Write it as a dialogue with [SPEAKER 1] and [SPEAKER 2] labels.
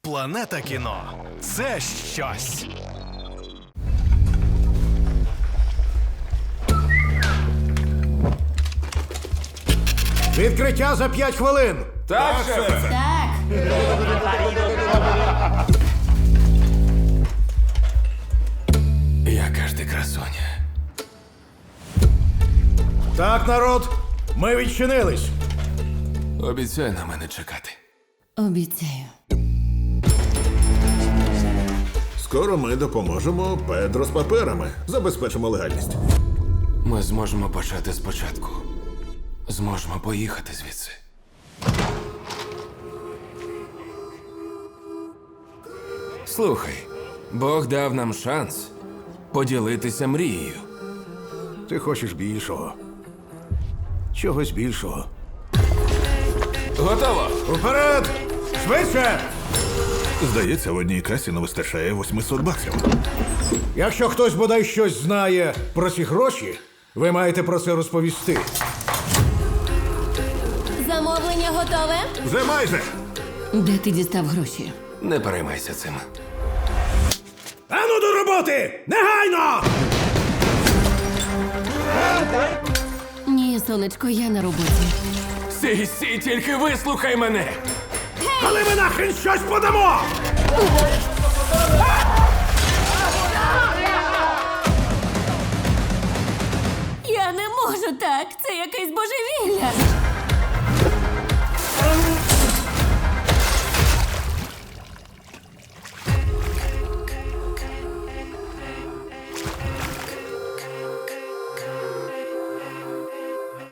[SPEAKER 1] Планета кіно – це щось.
[SPEAKER 2] Відкриття за 5 хвилин.
[SPEAKER 3] Так, шефе.
[SPEAKER 4] Так,
[SPEAKER 3] Яка ж ти красуня.
[SPEAKER 2] Так, народ, ми відчинились.
[SPEAKER 3] Обіцяй на мене чекати.
[SPEAKER 4] обіцяю.
[SPEAKER 5] Скоро ми допоможемо Педро з паперами. Забезпечимо легальність.
[SPEAKER 3] Ми зможемо почати спочатку. Зможемо поїхати звідси. Слухай, Бог дав нам шанс поділитися мрією.
[SPEAKER 2] Ти хочеш більшого. Чогось більшого.
[SPEAKER 3] Готово!
[SPEAKER 2] Уперед! Швидше!
[SPEAKER 5] Здається, в одній касі не вистачає 800 баксів.
[SPEAKER 2] Якщо хтось бодай щось знає про ці гроші, ви маєте про це розповісти.
[SPEAKER 4] Замовлення готове?
[SPEAKER 5] Вже майже!
[SPEAKER 4] Де ти дістав гроші?
[SPEAKER 3] Не переймайся цим.
[SPEAKER 2] Ану до роботи! Негайно!
[SPEAKER 4] Ні, сонечко, я на роботі.
[SPEAKER 3] Сі, тільки вислухай мене!
[SPEAKER 2] Але ми нахрен щось подамо!
[SPEAKER 4] Я не можу так, це якесь божевілля.